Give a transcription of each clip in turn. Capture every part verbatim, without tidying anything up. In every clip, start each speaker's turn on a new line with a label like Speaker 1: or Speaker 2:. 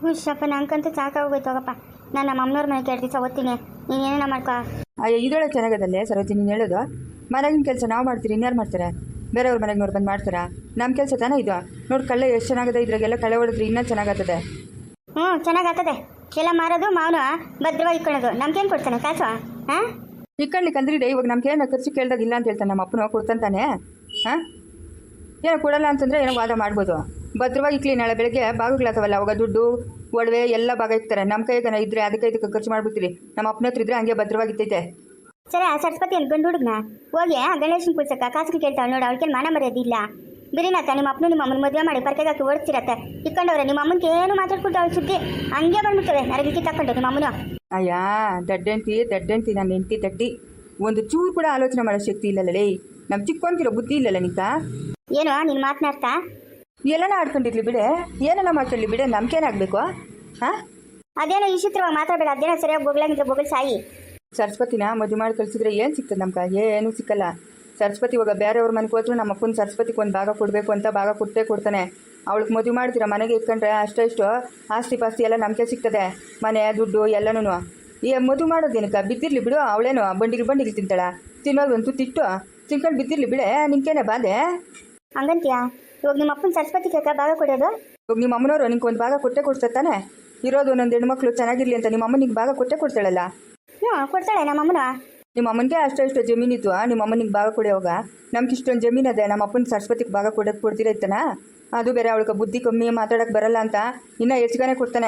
Speaker 1: ಹುಷಪ್ಪ ನಂಗಂತೂ ಸಾಕಾಗೋಯ್ತು ಹೋಗಪ್ಪ. ನಾನು ನಮ್ಮ ಅಮ್ಮನವ್ರ ಮನೆಗೆ ಎರಡು ದಿವಸ ಓದ್ತೀನಿ, ನೀನು ಏನೇನ ಮಾಡ್ಕೊ.
Speaker 2: ಅಯ್ಯೋ ಇದೊಳೆ ಚೆನ್ನಾಗದಲ್ಲೇ ಸರೋಜಿ ನೀನು ಹೇಳೋದು. ಮನೆಗಿನ ಕೆಲಸ ನಾವು ಮಾಡ್ತೀರಿ, ಇನ್ಯಾರು ಮಾಡ್ತಾರೆ? ಬೇರೆಯವ್ರ ಮನೆಗೆ ನೋಡಿ ಬಂದು ಮಾಡ್ತಾರಾ? ನಮ್ಮ ಕೆಲಸ ತಾನೇ ಇದು. ನೋಡಿ ಕಳ್ಳೆ ಎಷ್ಟು ಚೆನ್ನಾಗದೆ, ಇದ್ರಾಗೆಲ್ಲ ಕಳೆ ಹೊಡೆದ್ರೆ ಇನ್ನೂ ಚೆನ್ನಾಗತ್ತದೆ.
Speaker 1: ಹ್ಞೂ ಚೆನ್ನಾಗತ್ತದೆ. ಎಲ್ಲ ಮಾರೋದು ಮಾವನು ಭದ್ರವಾಗಿ ಇಟ್ಕೊಳ್ಳೋದು. ನಮ್ಗೇನು ಕೊಡ್ತಾನೆ ಕಾಸು? ಹಾಂ
Speaker 2: ಇಕ್ಕಣ್ಲಿಕ್ಕೆ ಅಂದ್ರಿಡೆ ಇವಾಗ ನಮ್ಗೆ ಏನೋ ಖರ್ಚು ಕೇಳ್ದಾಗ ಇಲ್ಲ ಅಂತ ಹೇಳ್ತಾನೆ ನಮ್ಮ ಅಪ್ಪನ ಕೊಡ್ತಾನೆ. ಹಾಂ ಏನೋ ಕೊಡಲ್ಲ ಅಂತಂದರೆ ಏನೋ ವಾದ ಮಾಡ್ಬೋದು. ಭದ್ರವಾಗಿ ಇಕ್ಲಿ, ನಾಳೆ ಬೆಳಗ್ಗೆ ಭಾಗಗಳಾತವಲ್ಲ, ಅವಾಗ ದುಡ್ಡು ಒಡವೆ ಎಲ್ಲ ಭಾಗ ಇಕ್ತಾರೆ. ನಮ್ಮ ಕೈಗೆ ಇದ್ರೆ ಅದಕ್ಕೆ ಇದಕ್ಕೆ ಖರ್ಚು ಮಾಡ್ಬಿಡ್ತೀರಿ. ನಮ್ಮ ಅಪ್ಪನ ಹತ್ರ ಇದ್ರೆ ಹಂಗೆ ಭದ್ರವಾಗಿತ್ತೈತೆ.
Speaker 1: ಸರಿ, ಆ ಸರಸ್ವತಿ ಅಂತ ಗಂಡು ಹುಡುಗನ ಹೋಗಿ ಆ ಗಣೇಶನ ಕುಳ್ಸಕ್ಕ ಕಾಸಿಗೆ ಕೇಳ್ತಾಳೆ ನೋಡಿ. ಅವಳಿಗೆ ಮಾನ ಮರ್ಯಾದಿಲ್ಲ. ಬಿರಿನಾಥ ನಿಮ್ಮ ಅಪ್ಪನು ನಿಮ್ಮ ಅಮ್ಮನ ಮದುವೆ ಮಾಡಿ ಪರ್ಕೆಗೆ ಹಾಕಿ ಓಡಿಸ್ತಿರತ್ತೆ. ಇಕ್ಕೊಂಡವ್ರೆ ನಿಮ್ಮ ಅಮ್ಮನಿಗೆ ಏನು ಮಾತಾಡ್ಕೊಟ್ಟು ಅವಳು ಸುದ್ದಿ ಹಂಗೆ ಬಂದ್ಬಿಡ್ತವೆ. ನರಗಿಕ್ಕಿ ತಕ್ಕೊಂಡು ನಿಮ್ಮ ಅಮ್ಮನು.
Speaker 2: ಅಯ್ಯ ದಡ್ಡಂತಿ ದಡ್ಡಂತಿ ನನ್ನ ಹೆಂಡತಿ ದಡ್ಡಿ. ಒಂದು ಚೂರು ಕೂಡ ಆಲೋಚನೆ ಮಾಡೋ ಶಕ್ತಿ ಇಲ್ಲಲ್ಲೇ. ನಮ್ಮ ಚಿಕ್ಕೊಂತಿರೋ ಬುದ್ಧಿ ಇಲ್ಲಲ್ಲ ನಿಂತ.
Speaker 1: ಏನು ನೀನು ಮಾತನಾಡ್ತಾ?
Speaker 2: ಎಲ್ಲನ ಆಡ್ಕೊಂಡಿರ್ಲಿ ಬಿಡೆ, ಏನೆಲ್ಲ ಮಾಡ್ಕೊಳ್ಳಿ ಬಿಡೆ, ನಮ್ಗೇನಾಗಬೇಕು? ಹಾಂ
Speaker 1: ಅದೇನೋ ವಿಚಿತ್ರವಾಗಿ ಮಾತಾಡಬೇಡ. ಅದೇನೋ ಸರಿಯಾಗಿ ಬೊಗಳಾಗಿದ್ರೆ ಬೊಗಳು ಸಾಯಿ.
Speaker 2: ಸರಸ್ವತಿನ ಮದುವೆ ಮಾಡಿ ಕಳಿಸಿದ್ರೆ ಏನು ಸಿಗ್ತದೆ ನಮ್ಗೆ? ಏನೂ ಸಿಕ್ಕಲ್ಲ. ಸರಸ್ವತಿ ಇವಾಗ ಬೇರೆಯವ್ರ ಮನೆಗೆ ಹೋದ್ರು ನಮ್ಮ ಅಪ್ಪನ ಸರಸ್ವತಿಗೆ ಒಂದು ಭಾಗ ಕೊಡಬೇಕು ಅಂತ ಭಾಗ ಕೊಟ್ಟೇ ಕೊಡ್ತಾನೆ. ಅವಳಿಗೆ ಮದುವೆ ಮಾಡ್ತೀರಾ ಮನೆಗೆ ಇಟ್ಕೊಂಡ್ರೆ ಅಷ್ಟೇ ಇಷ್ಟು ಆಸ್ತಿ ಪಾಸ್ತಿ ಎಲ್ಲ ನಮಗೆ ಸಿಗ್ತದೆ. ಮನೆ ದುಡ್ಡು ಎಲ್ಲನೂ ಈ ಮದುವೆ ಮಾಡೋದೇನಕ್ಕೆ? ಬಿದ್ದಿರಲಿ ಬಿಡು. ಅವಳೇನು ಬಂಡಿಗೆ ಬಂಡಿಗೆ ತಿಂತಾಳ? ತಿನ್ನೋದು ಒಂದು ತಿಟ್ಟು ತಿನ್ಕೊಂಡು ಬಿದ್ದಿರಲಿ ಬಿಡೆ. ನಿನ್ಕೇನೆ ಬಾಧೆ
Speaker 1: ಹಂಗಂತೀಯಾ? ಇವಾಗ ನಿಮ್ಮ ಅಪ್ಪನ ಸರಸ್ವತಿ ಕೇಕ ಭಾಗ ಕೊಡೋದು?
Speaker 2: ಇವಾಗ ನಿಮ್ಮ ಅಮ್ಮನವರು ನಿಂಗೆ ಒಂದು ಭಾಗ ಕೊಟ್ಟೆ ಕೊಡ್ತಾನೆ. ಇರೋದು ಒಂದೊಂದು ಹೆಣ್ಮಕ್ಳು ಚೆನ್ನಾಗಿರಲಿ ಅಂತ ನಿಮ್ಮ ಅಮ್ಮ ನಿಂಗೆ ಭಾಗ ಕೊಟ್ಟೆ ಕೊಡ್ತಾಳಲ್ಲ.
Speaker 1: ಹ್ಞೂ ಕೊಡ್ತಾಳೆ ನಮ್ಮ ಅಮ್ಮನ.
Speaker 2: ನಿಮ್ಮ ಅಮ್ಮನಿಗೆ ಅಷ್ಟೋ ಇಷ್ಟು ಜಮೀನಿತ್ತು, ನಿಮ್ಮ ಅಮ್ಮನಿಗೆ ಭಾಗ ಕೊಡೋವಾಗ ನಮ್ಗೆ ಇಷ್ಟೊಂದು ಜಮೀನು ಅದೇ, ನಮ್ಮ ಅಪ್ಪನ ಸರಸ್ವತಿಗೆ ಭಾಗ ಕೊಡೋದು ಕೊಡ್ತಿರೈತನ? ಅದು ಬೇರೆ ಅವಳಿಗೆ ಬುದ್ಧಿ ಕಮ್ಮಿ, ಮಾತಾಡೋಕ್ಕೆ ಬರಲ್ಲ ಅಂತ ಇನ್ನೂ ಹೆಚ್ಚಿಗೆ ಕೊಡ್ತಾನೆ.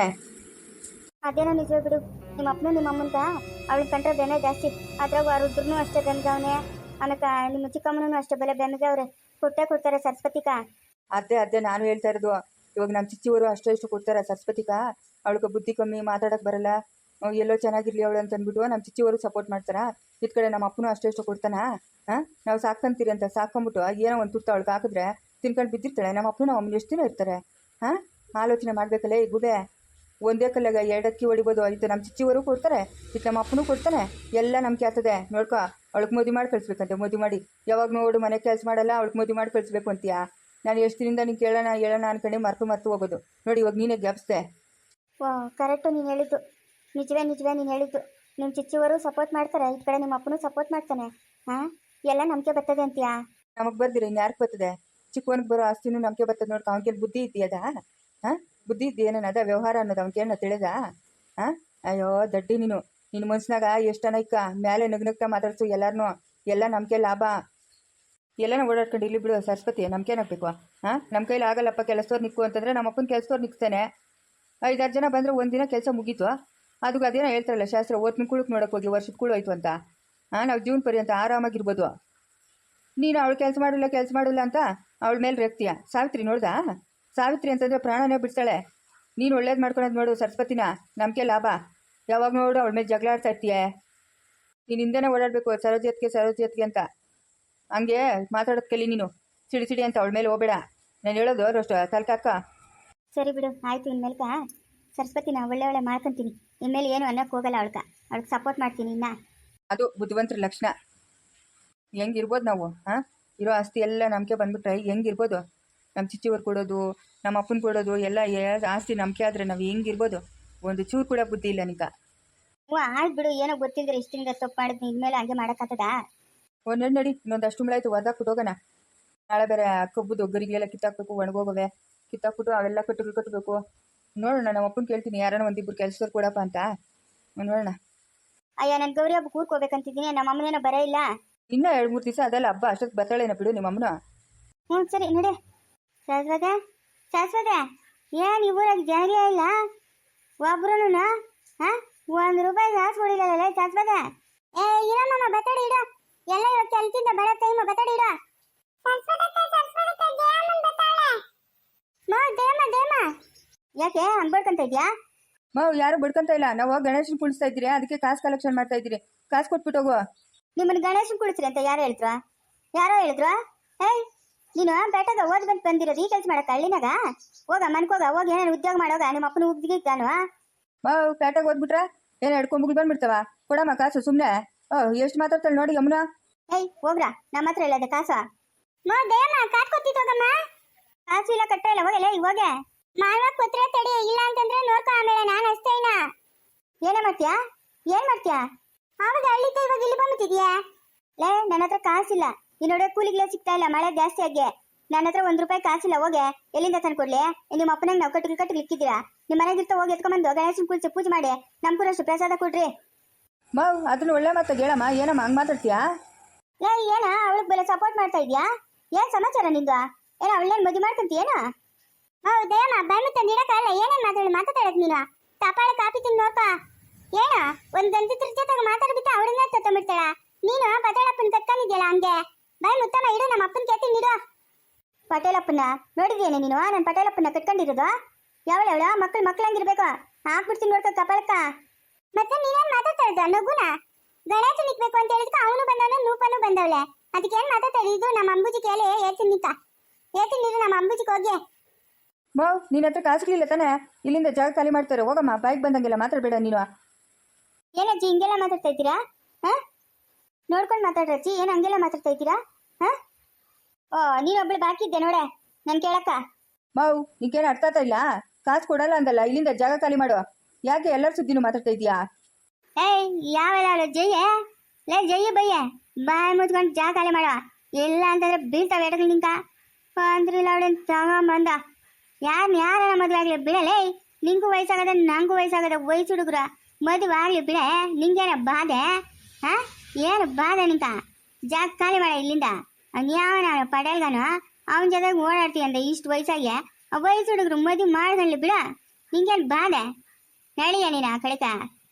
Speaker 1: ಅದೇನೋ ನಿಜ ಬಿಡು. ನಿಮ್ಮ ಅಪ್ಪನು ನಿಮ್ಮ ಅಮ್ಮಂತ ಅವಳಿಗೆ ಕಂಡ್ರೆ ಬೆನೆ ಜಾಸ್ತಿ. ಅದ್ರಾಗ ರುದ್ರನೂ ಅಷ್ಟೇ ಬೆನ್ಗವನೆ, ಆಮೇಲೆ ನಿಮ್ಮ ಚಿಕ್ಕಮ್ಮನೂ ಅಷ್ಟೇ ಬೆಲೆ ಬೆನ್ಗವ್ರೆ. ಕೊಟ್ಟೆ ಕೊಡ್ತಾರೆ ಸರಸ್ವತಿಕ.
Speaker 2: ಅದೇ ಅದೇ ನಾನು ಹೇಳ್ತಾ ಇರೋದು. ಇವಾಗ ನಮ್ಮ ಚಿಚ್ಚಿವರು ಅಷ್ಟೋ ಇಷ್ಟು ಕೊಡ್ತಾರೆ ಸರಸ್ವತಿಕ. ಅವಳಿಗೆ ಬುದ್ಧಿ ಕಮ್ಮಿ, ಮಾತಾಡೋಕ್ಕೆ ಬರಲ್ಲ, ಎಲ್ಲೋ ಚೆನ್ನಾಗಿರ್ಲಿ ಅವಳು ಅಂತ ಅಂದ್ಬಿಟ್ಟು ನಮ್ಮ ಚಿಚ್ಚಿವರು ಸಪೋರ್ಟ್ ಮಾಡ್ತಾರಾ. ಇದ್ ಕಡೆ ನಮ್ಮ ಅಪ್ಪನೂ ಅಷ್ಟೇ ಇಷ್ಟು ಕೊಡ್ತಾನ. ಹಾಂ ನಾವು ಸಾಕಂತೀರಿ ಅಂತ ಸಾಕೊಂಬಿಟ್ಟು ಏನೋ ಒಂದು ತುತ್ತ ಅವಳಿಗೆ ಹಾಕಿದ್ರೆ ತಿನ್ಕೊಂಡು ಬಿದ್ದಿರ್ತಾಳೆ. ನಮ್ಮ ಅಪ್ಪನೂ ನಮ್ಮ ಅಮ್ಮನ ಎಷ್ಟು ದಿನ ಇರ್ತಾರೆ? ಹಾಂ ಆಲೋಚನೆ ಮಾಡಬೇಕಲ್ಲ ಈ ಗುಬೆ. ಒಂದೇ ಕಲ್ಲಾಗ ಎರಡಕ್ಕಿ ಹೊಡಿಬೋದು. ಇದು ನಮ್ಮ ಚಿಚ್ಚಿವರು ಕೊಡ್ತಾರೆ, ಇದು ನಮ್ಮ ಅಪ್ಪನೂ ಕೊಡ್ತಾನೆ. ಎಲ್ಲ ನಮ್ಗೆ ಆಗ್ತದೆ. ನೋಡ್ಕೊ, ಅವಳಿಗೆ ಮದುವೆ ಮಾಡಿ ಕಳಿಸ್ಬೇಕಂತೆ. ಮದುವೆ ಮಾಡಿ ಯಾವಾಗ ನೋಡು ಮನೆ ಕೆಲಸ ಮಾಡಲ್ಲ, ಅವಳಿಗೆ ಮದುವೆ ಮಾಡಿ ಕಳಿಸ್ಬೇಕು ಅಂತೀಯಾ? ನಾನು ಎಷ್ಟು ದಿನದಿಂದ ನೀನು ಕೇಳೋಣ ಹೇಳೋಣ ಅನ್ಕೊಂಡು ಮರ್ತು ಮರ್ತು ಹೋಗೋದು ನೋಡಿ. ಇವಾಗ ನೀನೇ ಗ್ಯಾಪ್ಸ್ದೆ.
Speaker 1: ವಾ ಕರೆಕ್ಟು ನೀನು ಹೇಳಿದ್ದು. ನಿಜವೇ ನಿಜವೇ ನೀನು ಹೇಳಿದ್ದು. ನಿಮ್ಮ ಚಿಚ್ಚಿವರು ಸಪೋರ್ಟ್ ಮಾಡ್ತಾರೆ, ಈ ಕಡೆ ನಿಮ್ಮ ಅಪ್ಪನೂ ಸಪೋರ್ಟ್ ಮಾಡ್ತಾನೆ. ಹಾಂ ಎಲ್ಲ ನಂಬಿಕೆ ಬರ್ತದೆ ಅಂತೀಯಾ?
Speaker 2: ನಮಗೆ ಬರ್ದಿರ ಇನ್ನು ಯಾರಿಗೆ ಬರ್ತದೆ? ಚಿಕ್ಕವನಿಗೆ ಬರೋ ಆಸ್ತಿನೂ ನಂಬಿಕೆ ಬರ್ತದೆ. ನೋಡ್ಕೊ, ಅವನಿಗೆ ಬುದ್ಧಿ ಇದ್ದೀಯದ? ಹಾಂ ಬುದ್ಧಿ ಇದ್ದೀಯ ಏನದ ವ್ಯವಹಾರ ಅನ್ನೋದು ಅವನಿಗೇನ ತಿಳಿದ? ಹಾಂ ಅಯ್ಯೋ ದಡ್ಡಿ ನೀನು. ನಿನ್ನ ಮನ್ಸಿನಾಗ ಎಷ್ಟು ಇಕ್ಕ ಮೇಲೆ ನಗ್ನಗ್ತಾ ಮಾತಾಡ್ಸು ಎಲ್ಲರನ್ನೂ. ಎಲ್ಲ ನಮ್ಗೆ ಲಾಭ. ಎಲ್ಲನ ಓಡಾಡ್ಕೊಂಡು ಇಲ್ಲಿ ಬಿಡು ಸರಸ್ವತಿ. ನಮ್ಗೇನಾಗಬೇಕು? ಹಾಂ ನಮ್ಮ ಕೈಲಿ ಆಗಲ್ಲಪ್ಪ ಕೆಲಸದವ್ರು ನಿಕ್ಕು ಅಂತಂದರೆ ನಮ್ಮ ಅಪ್ಪನ ಕೆಲಸದವ್ರು ನಿಕ್ತಾನೆ. ಐದಾರು ಜನ ಬಂದರೆ ಒಂದಿನ ಕೆಲಸ ಮುಗೀತು. ಅದಕ್ಕೆ ಅದೇನೋ ಹೇಳ್ತಾರಲ್ಲ ಶಾಸ್ತ್ರ, ಓದ್ನ ಕುಳಕ್ಕೆ ನೋಡೋಕೆ ಹೋಗಿ ವರ್ಷದ ಕುಳು ಆಯಿತು ಅಂತ. ಹಾಂ ನಾವು ಜೀವನ ಪರ್ಯಂತ ಆರಾಮಾಗಿರ್ಬೋದು. ನೀನು ಅವಳು ಕೆಲಸ ಮಾಡಿಲ್ಲ ಕೆಲಸ ಮಾಡಿಲ್ಲ ಅಂತ ಅವಳ ಮೇಲೆ ರೇಗ್ತೀಯ. ಸಾವಿತ್ರಿ ನೋಡ್ದಾ? ಸಾವಿತ್ರಿ ಅಂತಂದರೆ ಪ್ರಾಣನೇ ಬಿಡ್ತಾಳೆ. ನೀನು ಒಳ್ಳೇದು ಮಾಡ್ಕೊಳೋದು ನೋಡು ಸರಸ್ವತಿನ. ನಮಗೆ ಲಾಭ. ಯಾವಾಗ ನೋಡು ಅವಳ ಮೇಲೆ ಜಗಳ ಆಡ್ತಾ ಇರ್ತೀಯ. ನೀನು ಹಿಂದೆನೇ ಓಡಾಡಬೇಕು ಸರೋಜತ್ಗೆ ಸರೋಜತ್ಗೆ ಅಂತ. ಹಂಗೆ ಮಾತಾಡೋದು ಕಲಿ ನೀನು. ಸಿಡಿ ಸಿಡಿ ಅಂತ ಅವಳ ಮೇಲೆ ಹೋಗಬೇಡ. ನಾನು ಹೇಳೋದು ಅಷ್ಟು ತಲ್ಕಾಕ.
Speaker 1: ಸರಿ ಬಿಡು, ಆಯಿತು. ಇನ್ಮೇಲ್ಕ ಸರಸ್ವತಿನ ಒಳ್ಳೆ ಒಳ್ಳೆ ಮಾಡ್ಕೊತೀನಿ. ಇನ್ಮೇಲೆ ಏನು ಅನ್ನೋಕ್ಕೆ ಹೋಗಲ್ಲ. ಅವಳ್ಕ ಅವಳಿಗೆ ಸಪೋರ್ಟ್ ಮಾಡ್ತೀನಿ. ಇನ್ನ
Speaker 2: ಅದು ಬುದ್ಧಿವಂತರ ಲಕ್ಷಣ. ಹೆಂಗಿರ್ಬೋದು ನಾವು? ಹಾಂ ಇರೋ ಆಸ್ತಿ ಎಲ್ಲ ನಮಗೆ ಬಂದ್ಬಿಟ್ರೆ ಹೆಂಗಿರ್ಬೋದು? ನಮ್ಮ ಚಿಚ್ಚಿವ್ರು ಕೊಡೋದು, ನಮ್ಮ ಅಪ್ಪನ ಕೊಡೋದು ಎಲ್ಲ ಆಸ್ತಿ ನಂಬಿಕೆ ಆದರೆ ನಾವು ಹೆಂಗಿರ್ಬೋದು? ಒಂದು ಚೂರು ಕೂಡ ಬುದ್ಧಿ ಇಲ್ಲ ನಿಂಕ.
Speaker 1: ಹ್ಞೂ ಆಯ್ತು ಬಿಡು. ಏನೋ ಗೊತ್ತಿದ್ರೆ ಇಷ್ಟಿಂದ ತಪ್ಪು ಮಾಡಿದ್ನಿ. ಇನ್ಮೇಲೆ ಹಂಗೆ ಮಾಡೋಕ್ಕಾಗ್ತದಾ?
Speaker 2: ಒಂದು ನಡಿ ನಡಿ ಇನ್ನೊಂದು ಅಷ್ಟು ಮುಳಾಯ್ತು ಒದ್ದಾಕ್ಬಿಟ್ಟು ಹೋಗೋಣ. ನಾಳೆ ಬೇರೆ ಕಬ್ಬುದು ಗರಿಗೆಲ್ಲ ಕಿತ್ತಾಕ್ಬೇಕು, ಒಣಗೋಗವೆ. ಕಿತ್ತಾಕ್ಬಿಟ್ಟು ಅವೆಲ್ಲ ಕಟ್ಟುಗಳು ಕಟ್ಟಬೇಕು. ನೋಡೋಣ, ನಮ್ಮ ಅಪ್ಪನ ಕೇಳ್ತೀನಿ ಯಾರನ್ನ ಒಂದಿಬ್ಬರು ಕೆಲಸದವ್ರು ಕೊಡಪ್ಪ ಅಂತ. ನೋಡೋಣ.
Speaker 1: ಅಯ್ಯ ನಾನು ಗೌರಿ ಹಬ್ಬ ಕೂರ್ಕೋಬೇಕಂತಿದ್ದೀನಿ. ನಮ್ಮ ಅಮ್ಮನೇನೋ ಬರೇ ಇಲ್ಲ.
Speaker 2: ಇನ್ನೂ ಎರಡು ಮೂರು ದಿವಸ ಅದೆಲ್ಲ ಹಬ್ಬ ಅಷ್ಟೊತ್ತು ಬರ್ತಾಳೇನ ಬಿಡು ನಿಮ್ಮ ಅಮ್ಮನ.
Speaker 1: ಹ್ಞೂ ಸರಿ ನಡೆ. ಶಾಶ್ವತ ಶಾಶ್ವತ ಏನು ಇವರಾಗಿ ಜಾರಿಯೇ ಇಲ್ಲ ಒಬ್ರು? ಹಾಂ ಒಂದು ರೂಪಾಯಿ ಕಾಸು ಕೊಡಿಲ್ಲ ಶಾಶ್ವತ. ಏ ಇರಮ್ಮ ಬತ್ತಾಡಿ ಇಡ. ಎಲ್ಲ ಇವತ್ತು ಕೆಲಸದಿಂದ ಬರೋ ಟೈಮ್ ಬತ್ತಾಡಿ ಇಡ. ಯಾಕೆ ಹಂಗೆ ಬಡ್ಕೊಂತ ಇದೆಯಾ?
Speaker 2: ಮಾವು ಯಾರು ಬಡ್ಕೊಂತ ಇಲ್ಲ. ನಾವು ಗಣೇಶನ್ ಕುಳಿಸ್ತಾ ಇದ್ದೀರಿ, ಅದಕ್ಕೆ ಕಾಸು ಕಲೆಕ್ಷನ್ ಮಾಡ್ತಾ ಇದ್ದೀರಿ. ಕಾಸು ಕೊಟ್ಬಿಟ್ಟು ಹೋಗುವ.
Speaker 1: ನಿಮ್ಮನ್ನು ಗಣೇಶನ್ ಕುಳಿಸ್ರಿ ಅಂತ ಯಾರು ಹೇಳಿದ್ರು? ಯಾರೋ ಹೇಳಿದ್ರು? ಏಯ್ ನೀನು ಬೇಟಾಗ ಓದ್ ಬಂದು ಬಂದಿರೋದು ಈ ಕೆಲಸ ಮಾಡಕ್ಕೆ ಹಳ್ಳಿನಾಗ? ಹೋಗ ಮನ್ಕೋಗ ಹೋಗಿ ಏನೇನು ಉದ್ಯೋಗ ಮಾಡೋಗ. ನಿಮ್ಮ ಅಪ್ಪನ ಉದ್ಯೋಗಿದ್ದಾನು?
Speaker 2: ಮಾವು ಪೇಟೆಗೆ ಓದ್ಬಿಟ್ರೆ ಏನು ಹಿಡ್ಕೊಂಬುಗಳು ಬಂದ್ಬಿಡ್ತಾವ. ಕೊಡಮ್ಮ ಕಾಸು ಸುಮ್ಮನೆ. ಓ ಎಷ್ಟು ಮಾತಾಡ್ತಾಳೆ ನೋಡಿ ಯಮುನಾ.
Speaker 1: ಏಯ್ ಹೋಗ್ರಾ, ನಮ್ಮ ಹತ್ರ ಇಲ್ಲದೆ ಕಾಸು. ನೋ ದೇಯಮ್ಮ ಕಾಸು ಕೊತ್ತಿತ್ತು ಹೋಗಮ್ಮ. ಕಾಸು ಇಲ್ಲ ಕಟ್ಟ ಇಲ್ಲ ಹೋಗಲ್ಲ ಈಗ ಹೋಗೆ. ಮಾಲ್ವ ಕೊತ್ರೆ ತಡಿ, ಇಲ್ಲ ಅಂತಂದ್ರೆ ನೋಡ್ಕ ಏನೇ ಮಾಡ್ತೀಯಾ ಏನ್ ಮಾಡ್ತೀಯಾ? ಆವಾಗ ಹಳ್ಳಿದ್ದ ಇವಾಗ ಇಲ್ಲಿ ಬಂದ್ಬಿಟ್ಟಿದ್ಯಾ? ಲೇ ನನ್ನ ಹತ್ರ ಕಾಸಿಲ್ಲ. ಈ ನೋಡೋ ಕೂಲಿಗಳೇ ಸಿಗ್ತಾ ಇಲ್ಲ, ಮಳೆ ಜಾಸ್ತಿ ಆಗಿ. ನನ್ನ ಹತ್ರ ಒಂದ್ ರೂಪಾಯಿ ಕಾಸಿಲ್ಲ. ಹೋಗೆ ಎಲ್ಲಿಂದ ತಂದ್ಕೊಡ್ಲಿ? ನಿಮ್ಮ ಅಪ್ಪನಂಗೆ ನಾವು ಕಟ್ಟಿಗೆ ಕಟ್ಟಿಗೆ ಇಕ್ಕಿದ್ದೀರಾ? ನಿಮ್ಮ ಮನೆಗಿರ್ತ ಹೋಗಿ ಎತ್ಕೊಂಡ್ಬಂದು ಗಣೇಶನ್ ಕುಲ್ಸಿ ಪೂಜೆ ಮಾಡಿ ನಮ್ಗೂರಷ್ಟು ಪ್ರಸಾದ ಕೊಡ್ರಿ.
Speaker 2: ಮಾವ್ ಅದನ್ನ ಒಳ್ಳೆ ಮಾತಾಗ ಹೇಳಮ್ಮ. ಏನಮ್ಮ ಹಂಗೆ ಮಾತಾಡ್ತೀಯಾ?
Speaker 1: ಲೇ ಏನ ಅವಳಿಗೆ ಬೆಲೆ ಸಪೋರ್ಟ್ ಮಾಡ್ತಾ ಇದ್ಯಾ? ಏನ್ ಸಮಾಚಾರ ನಿಂದು? ಏನ ಅವಳೇನ್ ಮದುವೆ ಮಾಡ್ಕೊಂತೀಯೇನ? ಹೌದೇಮ್ಮ ಬಂದು ನೀಡಕ್ಕಲ್ಲ. ಏನೇನ್ ಮಾತಾಡಿ ಮಾತಾಡಕ್ ನೀನು? ತಪಾಳ ಕಾಪಿ ತಿಂದು ನೋಡ್ಪ. ಏನ ಒಂದ್ ಗಂಟಿದ್ರ ಜೊತೆಗೆ ಮಾತಾಡ್ಬಿಟ್ಟು ಅವಳನ್ನ ತತ್ತಂಬಿಡ್ತಾಳ. ನೀನು ಪಟೇಲಪ್ಪನ ಕತ್ಕೊಂಡಿದ್ಯಲ್ಲ ಹಂಗೆ. ಬಾಯ್ ಮುತ್ತಮ್ಮ ಇಡು, ನಮ್ಮ ಅಪ್ಪನ ಕೇಳ್ತೀನಿ ನೀಡು. ಪಟೇಲಪ್ಪನ ನೋಡಿದ್ಯೇನೆ ನೀನು? ನಾನು ಪಟೇಲಪ್ಪನ ಕಟ್ಕೊಂಡಿರೋದು ಯಾವಳ ಅವಳ? ಮಕ್ಳು ಮಕ್ಳಂಗಿರ್ಬೇಕು. ಹಾಕ್ಬಿಡ್ತೀನಿ ನೋಡ್ಕೊ ಕಪಾಳಕ್ಕ. ಮತ್ತೆ ನೀನೇನ್ ಮಾತಾಡ್ತಾ ಇದ್ದ? ನಗುನ ಗಣೇಶ ನಿಕ್ಬೇಕು ಅಂತ ಹೇಳಿದ್ಕ ಅವನು ಬಂದವನು, ನೂಪನು ಬಂದವಳೆ. ಅದಕ್ಕೆ ಏನ್ ಮಾತಾಡ್ತಾ ಇದ್ದು? ನಮ್ಮ ಅಂಬುಜಿ ಕೇಳಿ ಏತೀನಿ ನಿಂತ ಏತೀನಿ ನೀರು ನಮ್ಮ ಅಂಬುಜಿಗೆ ಹೋಗಿ.
Speaker 2: ಮಾವ್ ನಿನ್ನ ಹತ್ರ ಕಾಸುಗಳಿಲ್ಲ ತಾನೆ? ಇಲ್ಲಿಂದ ಜಾಗ ಖಾಲಿ ಮಾಡ್ತಾರೆ. ಹೋಗಮ್ಮ, ಬಾಯಿಗೆ ಬಂದಂಗೆಲ್ಲ ಮಾತಾಡಬೇಡ ನೀನು.
Speaker 1: ಏನಜ್ಜಿ ಹಿಂಗೆಲ್ಲ ಮಾತಾಡ್ತಾ ಇದ್ದೀರಾ? ಹಾ ನೋಡ್ಕೊಂಡು ಮಾತಾಡ್ರಜ್ಜಿ. ಏನ್ ಹಂಗೆಲ್ಲ ಮಾತಾಡ್ತಾ ಇದ್ದೀರಾ? ಹಾ ಓ ನೀನೊಬ್ಳು ಬಾಕಿ ಇದ್ದೆ ನೋಡೆ ನನ್ ಕೇಳಕ್ಕ.
Speaker 2: ಮಾವು ಈಗೇನು ಅರ್ಥ ಆಗ್ತಾ ಇಲ್ಲ? ಕಾಸು ಕೊಡಲ್ಲ ಅಂದಲ್ಲ, ಇಲ್ಲಿಂದ ಜಾಗ ಖಾಲಿ ಮಾಡು. ಯಾಕೆ ಎಲ್ಲರ ಸುದ್ದಿನೂ ಮಾತಾಡ್ತಾ ಇದೀಯಾ?
Speaker 1: ಏಯ್ ಯಾವೆಲ್ಲ ಜಯ್ಯ ಲೇ ಜಯ್ಯ ಬಯ್ಯ ಬಾಯ್ ಮುಚ್ಕೊಂಡು ಜಾಗ ಖಾಲಿ ಮಾಡುವ. ಇಲ್ಲ ಅಂತಂದ್ರೆ ಬೀಳ್ತಾವೆ ಎಡಗಳು ನಿಂಕ ಅಂದ್ರಿಲ್ಲ ಅವಳೇನು ತಗೊಂಬಂದ. ಯಾರು ಯಾರ ಮದುವೆ ಆಗ್ಲಿ ಬಿಡಲೇ. ನಿಂಗೂ ವಯಸ್ಸಾಗದ ನಂಗೂ ವಯಸ್ಸಾಗದ ವಯಸ್ಸು ಹುಡುಗ್ರ ಮದುವೆ ಆಗ್ಲಿ ಬಿಡೆ. ನಿಂಗೇನ ಬಾಧೆ? ಹಾ ಏನು ಬಾಧೆ ನಿಂಕ? ಜಾಗ ಖಾಲಿ ಮಾಡ ಇಲ್ಲಿಂದ. ಯಾವ ಪಡೇಲ್ಗಾನು ಅವನ ಜೊತೆಗೆ ಓಡಾಡ್ತೀಯಂತ ಇಷ್ಟು ವಯಸ್ಸಾಗಿ ವಯಸ್ಸು ಹುಡುಗರು ಮದುವೆ ಮಾಡ್ಕೊಳ್ಳಿ ಬಿಡ. ನಿಂಗೇನು ಬಾಧೆ? ನಡಿಯ ನೀನು ಆ ಕಡೆಕ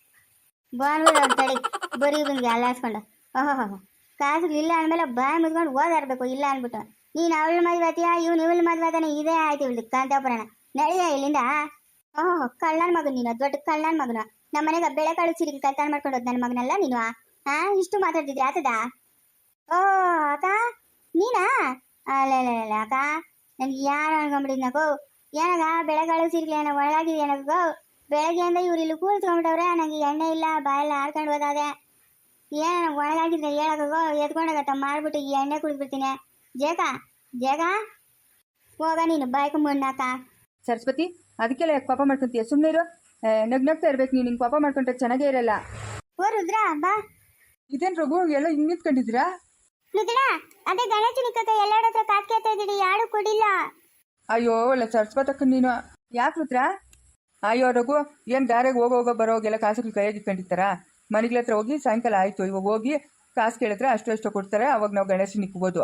Speaker 1: ಬಾನ್ಬಿಡ ತಡಿ ಬರೀ ಬಂದು ಅಲ್ಲಾಡ್ಸ್ಕೊಂಡು. ಓಹೋ ಕಾಸುಗಳು ಇಲ್ಲ ಅಂದಮೇಲೆ ಬಾಯಿ ಮುದ್ಕೊಂಡು ಓದಾಡ್ಬೇಕು. ಇಲ್ಲ ಅಂದ್ಬಿಟ್ಟು ನೀನು ಅವಳ ಮದುವೆ ಆತೀಯ, ಇವ್ನು ಇವಳ ಮದುವೆ ಆತಾನೆ. ಇದೇ ಆಯ್ತು ಇವಳು ಕಾಂತಾಪುರಾಣ. ನಡಿಯ ಇಲ್ಲಿಂದ. ಓಹೋ ಕಳ್ಳನ ಮಗನು ನೀನು, ದೊಡ್ಡ ಕಳ್ಳನ ಮಗನು. ನಮ್ಮ ಮನೆಗೆ ಬೆಳೆ ಕಾಳು ಸಿರಿಗೆ ಕಲ್ತಾಣ ಮಾಡ್ಕೊಂಡು ಹೋದ್ ನನ್ನ ಮಗನಲ್ಲ ನೀನು. ಹಾ ಇಷ್ಟು ಮಾತಾಡ್ತಿದ್ರಿ ಆತದ? ಓ ಅಕ್ಕ ನೀನಾ? ಅಲ್ಲ ಅಕ್ಕ ನನ್ಗೆ ಯಾರು ಅನ್ಕೊಂಬಿಟ್ಟಿದ್ನಕೋ. ಏನಾಗ ಬೆಳೆಗಾಳು ಸಿರ್ಲಿ ಏನೋ ಒಳಗಾಗಿದೆಯೇನಕೋ. ಬೆಳಗ್ಗೆಯಿಂದ ಇವ್ರು ಇಲ್ಲಿ ಕೂತ್ಕೊಂಡ್ಬಿಟ್ಟವ್ರೆ. ನನಗೆ ಎಣ್ಣೆ ಇಲ್ಲ, ಬಾಯೆಲ್ಲ ಆಡ್ಕೊಂಡು ಹೋದಾದೆ. ಏನು ನನಗೆ ಒಳಗಾಗಿದ್ರೆ ಹೇಳಕೋ ಎತ್ಕೊಂಡಾಗತ್ತ ಮಾಡ್ಬಿಟ್ಟು ಈ ಎಣ್ಣೆ ಕುಡಿದ್ಬಿಡ್ತೀನಿ. ಜೇಗ ಜೇಗ ಹೋಗ ನೀನು ಬಾಯ್ಕ ಮಣ್ಣಾಕ.
Speaker 2: ಸರಸ್ವತಿ ಅದಕ್ಕೆಲ್ಲ ಯಾಕೆ ಪಾಪ ಮಾಡ್ಕೊಂತೀಯ? ಸುಮ್ಮನೆ ಇರು. ನಗ್ ನಗ್ತಾ ಇರ್ಬೇಕು ನೀನು. ಹಿಂಗೆ ಪಾಪ ಮಾಡ್ಕೊಂಡ್ರೆ ಚೆನ್ನಾಗೇ ಇರಲ್ಲ.
Speaker 1: ಓ ರುದ್ರ ಬಾ.
Speaker 2: ಇದೇನು ರಘು ಎಲ್ಲ ಹಿಂಗೆ ನಿಂತ್ಕೊಂಡಿದ್ದೀರಾ?
Speaker 1: ರುದ್ರ ಅದೇ ಗಣೇಶ ನಿಕ್ಕ ಎಲ್ಲರ ಹತ್ರ ಕಾತ್ ಕೇಳ್ತಾ ಇದ್ದೀರಿ, ಯಾರು ಕೊಡಿಲ್ಲ.
Speaker 2: ಅಯ್ಯೋ ಒಳ್ಳೆ ಸರಸ್ವತಕ್ಕ ನೀನು. ಯಾಕೆ ರುದ್ರ? ಅಯ್ಯೋ ರಘು ಏನು ದಾರಿಗೆ ಹೋಗೋ ಹೋಗೋ ಬರೋಗೆಲ್ಲ ಕಾಸುಗಳು ಕೈಯಾಗಿ ಇಟ್ಕೊಂಡಿರ್ತಾರ? ಮನೆಗಳ ಹತ್ರ ಹೋಗಿ ಸಾಯಂಕಾಲ ಆಯಿತು ಇವಾಗ ಹೋಗಿ ಕಾಸು ಕೇಳಿದ್ರೆ ಅಷ್ಟು ಅಷ್ಟು ಕೊಡ್ತಾರೆ. ಅವಾಗ ನಾವು ಗಣೇಶ ನಿಕ್ಬೋದು.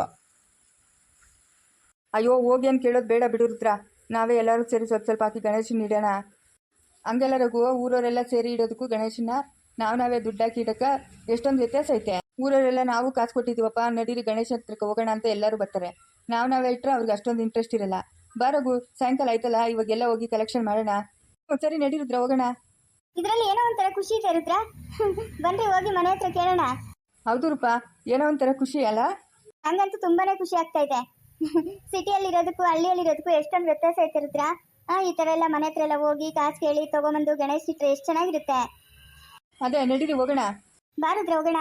Speaker 2: ಅಯ್ಯೋ ಹೋಗಿ ಏನು ಕೇಳೋದು ಬೇಡ ಬಿಡು ರುದ್ರ. ನಾವೇ ಎಲ್ಲರೂ ಸೇರಿ ಸ್ವಲ್ಪ ಸ್ವಲ್ಪ ಹಾಕಿ ಗಣೇಶನ ಇಡೋಣ. ಹಂಗೆಲ್ಲ ರಘು ಊರವರೆಲ್ಲ ಸೇರಿ ಇಡೋದಕ್ಕೂ ಗಣೇಶನ ನಾವು ನಾವೇ ದುಡ್ಡು ಹಾಕಿ ಇಡೋಕ್ಕೆ ಎಷ್ಟೊಂದು ವ್ಯತ್ಯಾಸ ಐತೆ. ಊರವರೆಲ್ಲ ನಾವು ಕಾಸು ಕೊಟ್ಟಿದ್ದೀವಪ್ಪ ನಡೀರಿ ಗಣೇಶ ಹತ್ರಕ್ಕೆ ಹೋಗೋಣ ಅಂತ ಎಲ್ಲರೂ ಬರ್ತಾರೆ. ನಾವು ನಾವೇ ಇಟ್ಟರೆ ಅವ್ರಿಗೆ ಅಷ್ಟೊಂದು ಇಂಟ್ರೆಸ್ಟ್ ಇರಲ್ಲ. ಬರೋಗು ಸಾಯಂಕಾಲ ಆಯ್ತಲ್ಲ ಇವಾಗೆಲ್ಲ ಹೋಗಿ ಕಲೆಕ್ಷನ್ ಮಾಡೋಣ. ಸರಿ ನಡೀರುದ್ರ ಹೋಗೋಣ.
Speaker 1: ಇದರಲ್ಲಿ ಏನೋ ಒಂಥರ ಖುಷಿ ಇದೆ ರುದ್ರ. ಬನ್ರಿ ಹೋಗಿ ಮನೆ ಹತ್ರ ಕೇಳೋಣ.
Speaker 2: ಹೌದು ರೂಪ ಏನೋ ಒಂಥರ ಖುಷಿ ಅಲ್ಲ?
Speaker 1: ಹಂಗಂತೂ ತುಂಬಾನೇ ಖುಷಿ ಆಗ್ತಾ ಇದೆ. ಸಿಟಿಯಲ್ಲಿ ಇರೋದಕ್ಕೂ ಹಳ್ಳಿಯಲ್ಲಿ ಇರೋದಕ್ಕೂ ಎಷ್ಟೊಂದು ವ್ಯತ್ಯಾಸ ಐತೆ ರುದ್ರ. ಆ ಈ ತರ ಎಲ್ಲ ಮನೆ ಹತ್ರ ಎಲ್ಲ ಹೋಗಿ ಕಾಸು ಕೇಳಿ ತಗೊಂಬಂದು ಗಣೇಶ್ ಇಟ್ರೆ ಎಷ್ಟು ಚೆನ್ನಾಗಿರುತ್ತೆ.
Speaker 2: ಅದೇ ನಡೀರಿ ಹೋಗೋಣ.
Speaker 1: ಬಾರುದ್ರ ಹೋಗೋಣ.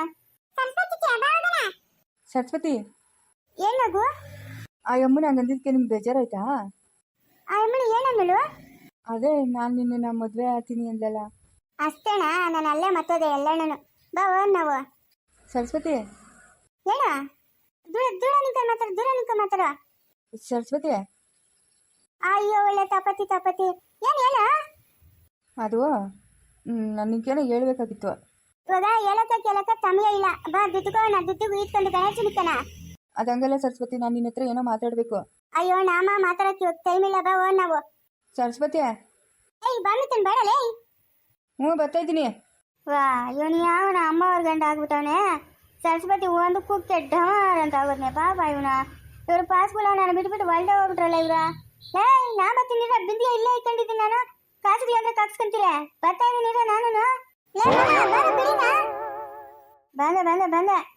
Speaker 2: ಸರಸ್ವತಿ
Speaker 1: ಏನಾಗು
Speaker 2: ಆ ಅಮ್ಮನ ಹಂಗಂದಿದ್ದಕ್ಕೆ ನಿಮ್ಗೆ ಬೇಜಾರಾಯ್ತಾ?
Speaker 1: ಆ ಅಮ್ಮನ ಏನನ್ನಳು?
Speaker 2: ಅದೇ ನಾನು ನಿನ್ನ ಮದುವೆ ಆಗ್ತೀನಿ ಅಂದಲ್ಲ.
Speaker 1: ಅಷ್ಟೇನಾ? ನಾನು ಅಲ್ಲೇ ಮತ್ತೋದೆ ಎಲ್ಲಣ್ಣನು. ಬಾ ಹೋನ್ ನಾವು.
Speaker 2: ಸರಸ್ವತಿ
Speaker 1: ಏನ ದೂರ ದೂರ ನಿಂತ ಮಾತಾಡ ದೂರ ನಿಂತ ಮಾತಾಡ.
Speaker 2: ಸರಸ್ವತಿ
Speaker 1: ಅಯ್ಯೋ ಒಳ್ಳೆ ತಪತಿ ತಪತಿ. ಏನ್ ಏನ
Speaker 2: ಅದು ನನಗೇನೋ ಹೇಳ್ಬೇಕಾಗಿತ್ತು.
Speaker 1: ಇವಾಗ ಹೇಳಕ್ಕ ಕೇಳಕ್ಕ ಸಮಯ ಇಲ್ಲ. ಬಾ ದುಡ್ಡುಕೋ ನಾ ದುಡ್ಡಿಗೂ ಇಟ್ಕೊಂಡು ಗಣೇಶ ನಿಕ್ಕನ.
Speaker 2: ಅದಂಗಲ್ಲ ಸರಸ್ವತಿ, ನಾನು ನಿನ್ನ ಹತ್ರ ಏನೋ ಮಾತಾಡಬೇಕು.
Speaker 1: ಅಯ್ಯೋ ನಾಮ ಮಾತಾಡಕ್ಕೆ ಇವತ್ತು ಟೈಮ್ ಇಲ್ಲ. ಬಾ ಹೋನ್ ನಾವು.
Speaker 2: ಸರಸ್ವತಿ
Speaker 1: ಏಯ್ ಬಾಮಿತನ್ ಬೇಡಲೇ.
Speaker 2: ಹ್ಞೂ ಬರ್ತಾ ಇದ್ದೀನಿ.
Speaker 1: ವಾ ಇವನು ಯಾವನ ಅಮ್ಮವ್ರ ಗಂಡ ಆಗ್ಬಿಟ್ಟವನೆ. ಸರಸ್ವತಿ ಒಂದು ಕುಕ್ಕೆ ಡಾರ್ ಅಂತ ಆಗೋದ್ನೆ ಪಾಪ ಇವನ. ಇವ್ರು ಪಾಸ್ಬುಲ್ ನಾನು ಬಿಟ್ಬಿಟ್ಟು ಒಳ್ಳೆ ಹೋಗ್ಬಿಟ್ರಲ್ಲ ಇವ್ರ. ಏಯ್ ನಾ ಬರ್ತೀನಿ ಬಿಂದಿಗೆ ಇಲ್ಲೇ ಇಟ್ಕೊಂಡಿದ್ದೀನಿ ನಾನು. ಕಾಸುಗಳಂದ್ರೆ ಕಕ್ಸ್ಕೊಂತೀರ. ಬರ್ತಾ ಇದ್ದೀನಿ ನಾನು. ಬಂದೆ ಬಂದೆ ಬಂದೆ.